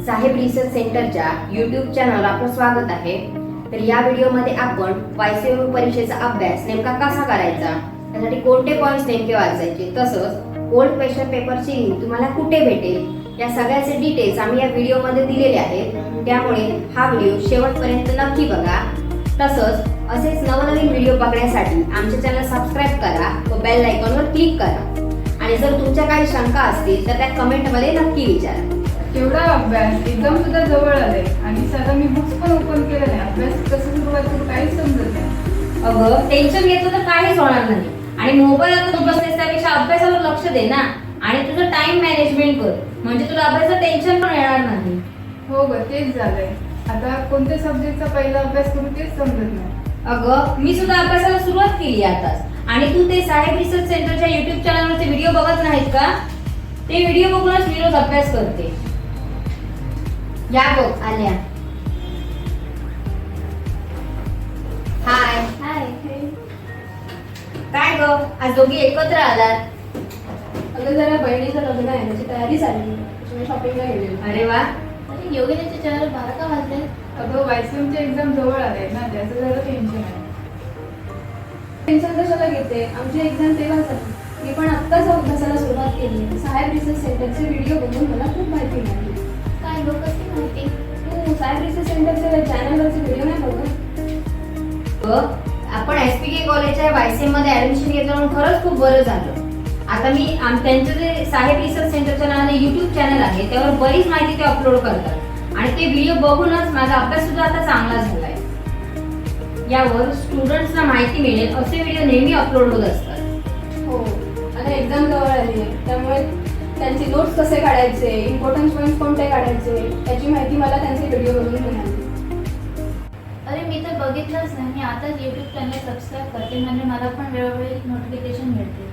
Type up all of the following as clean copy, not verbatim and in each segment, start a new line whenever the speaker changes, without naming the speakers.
साहेब research सेंटरच्या YouTube चॅनलला आपलं स्वागत आहे। तर या व्हिडिओमध्ये आपण YCMU परीक्षेचा अभ्यास नेमका कसा करायचा, त्यासाठी कोणते पॉइंट्स नेमके वाचायचे, तसंच ओल्ड क्वेश्चन पेपरची लिंक तुम्हाला कुठे भेटेल या सगळ्याचे डिटेल्स आम्ही या व्हिडिओमध्ये दिलेले आहेत। त्यामुळे हा व्हिडिओ शेवटपर्यंत नक्की बघा। तसंच असेच नवनवीन व्हिडिओ बघण्यासाठी आमचे चॅनल सबस्क्राइब करा व बेल आयकॉनवर क्लिक करा। आणि जर तुमच्या काही शंका असतील तर त्या कमेंटमध्ये नक्की विचारा।
एवढा अभ्यास एकदम सुद्धा जवळ आले आणि सगळं मी बुक्स पण ओपन केले नाही, अभ्यास कसं सुरुवात करू काहीच समजत नाही।
अगं टेन्शन घेतलं तर काहीच होणार नाही आणि मोबाईल आता तू बसतेस त्यापेक्षा अभ्यासावर लक्ष दे ना आणि तुझं टाइम मॅनेजमेंट कर, म्हणजे तुला अभ्यासाचं टेन्शन पण येणार नाही।
हो ग, तेच झालंय। आता कोणत्या सब्जेक्टचा पहिला अभ्यास करू तेच समजत नाही।
अगं मी सुद्धा अभ्यासाला सुरुवात केली आताच, आणि तू ते साहेब रिसर्च सेंटरच्या YouTube चॅनलवरचे व्हिडिओ बघत नाहीत का? ते व्हिडिओ बघूनच मी रोज अभ्यास करते। या बघ आल्या। हाय
हाय।
काय ग आज दोघी एकत्र आलात?
अगं जरा बहिणीचं लग्न आहे, त्याची तयारी चालली, त्याच्यामुळे शॉपिंगला गेलेलो।
अरे वा,
अरे योगिनीच्या चॅनल 12 का वाजले?
अगं YCMची एक्झाम जवळ आले ना, त्याचं जरा टेन्शन आहे।
टेन्शन कशाला घेते, आमची एक्झाम तेव्हाच आहे। मी पण आत्ताच अभ्यासाला सुरुवात केली। साहेब रिसर्च सेंटरचे व्हिडिओ बघून मला खूप माहिती मिळाली। काय गं, कसली माहिती? तू साहेब रिसर्च सेंटरचे चॅनलवरचे व्हिडिओ नाही बघत?
आपण SPK कॉलेजच्या YCM मध्ये ऍडमिशन घेतलं म्हणून खरंच खूप बरं झालं। आता मी त्यांचं जे साहेब रिसर्च सेंटरच्या नावाने YouTube चॅनल आहे त्यावर बरीच माहिती ते अपलोड करतात आणि ते व्हिडिओ बघूनच माझा अभ्यास सुद्धा आता चांगला झालाय। यावर स्टुडंट्सना माहिती मिळेल असे व्हिडिओ नेहमी अपलोड होत असतात।
हो, आता एक्झाम जवळ आली आहे, त्यामुळे त्यांचे नोट्स कसे काढायचे, इम्पॉर्टंट पॉईंट्स कोणते काढायचे याची माहिती मला त्यांचे व्हिडिओ बघून मिळाली।
अरे मी तर बघितलंच नाही, मी आताच YouTube चॅनल सबस्क्राईब करते, म्हणजे मला पण वेळोवेळी नोटिफिकेशन मिळते।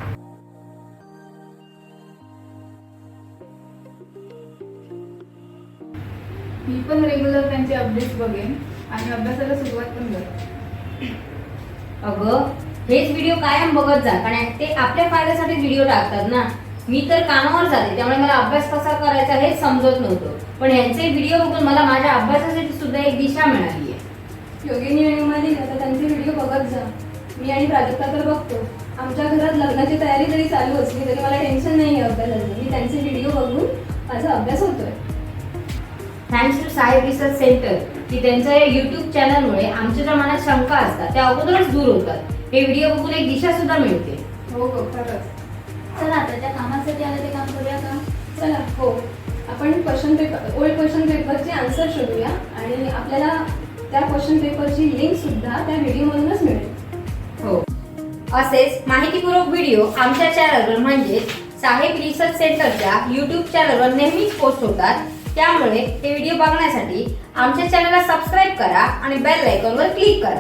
मी पण रेग्युलर त्यांचे अपडेट्स बघेन आणि अभ्यासाला सुरुवात पण करेन।
अगं हेच व्हिडिओ कायम बघत जा, कारण ते आपल्या फायद्यासाठी व्हिडिओ टाकतात ना। मी तर कामावर जाते त्यामुळे मला अभ्यास कसा करायचा हेच समजत नव्हतं, पण यांचे व्हिडिओ बघून मला माझ्या अभ्यासासाठी सुद्धा एक दिशा मिळाली आहे।
योगिनी आणि उमाली आता त्यांचे व्हिडिओ बघत जा। मी आणि प्राजक्ता तर बघतो। आमच्या घरात लग्नाची तयारी जरी चालू असली तरी मला टेन्शन नाही आहे अभ्यासाचं। मी त्यांचे व्हिडिओ बघून माझा अभ्यास होतोय।
थँक्स टू साहेब रिसर्च सेंटर की त्यांच्या या YouTube चॅनलमुळे आमच्या ज्या मनात शंका असतात त्या अगोदरच दूर होतात। हे व्हिडिओ बघून एक दिशा सुद्धा मिळते।
हो हो, खरंच।
चला आता त्या कामासाठी आलं ते काम करूया का?
चला, हो, आपण ओल्ड क्वेश्चन पेपरचे आन्सर शोधूया आणि आपल्याला त्या क्वेश्चन पेपरची लिंक सुद्धा त्या व्हिडिओमधूनच मिळेल।
हो, असेच माहितीपूर्वक व्हिडिओ आमच्या चॅनलवर म्हणजे साहेब रिसर्च सेंटरच्या YouTube चॅनलवर नेहमीच पोस्ट होतात। त्यामुळे ते व्हिडिओ बघण्यासाठी आमच्या चॅनलला सबस्क्राइब करा आणि बेल आयकॉनवर क्लिक करा।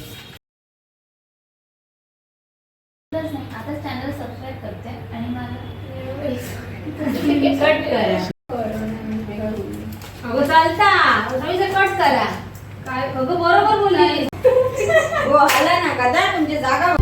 आता चॅनल सबस्क्राईब करते आणि मला
कट करा। अगं चालता कट करा। काय अगं बरोबर बोलली। हो आला ना का तुमची जागा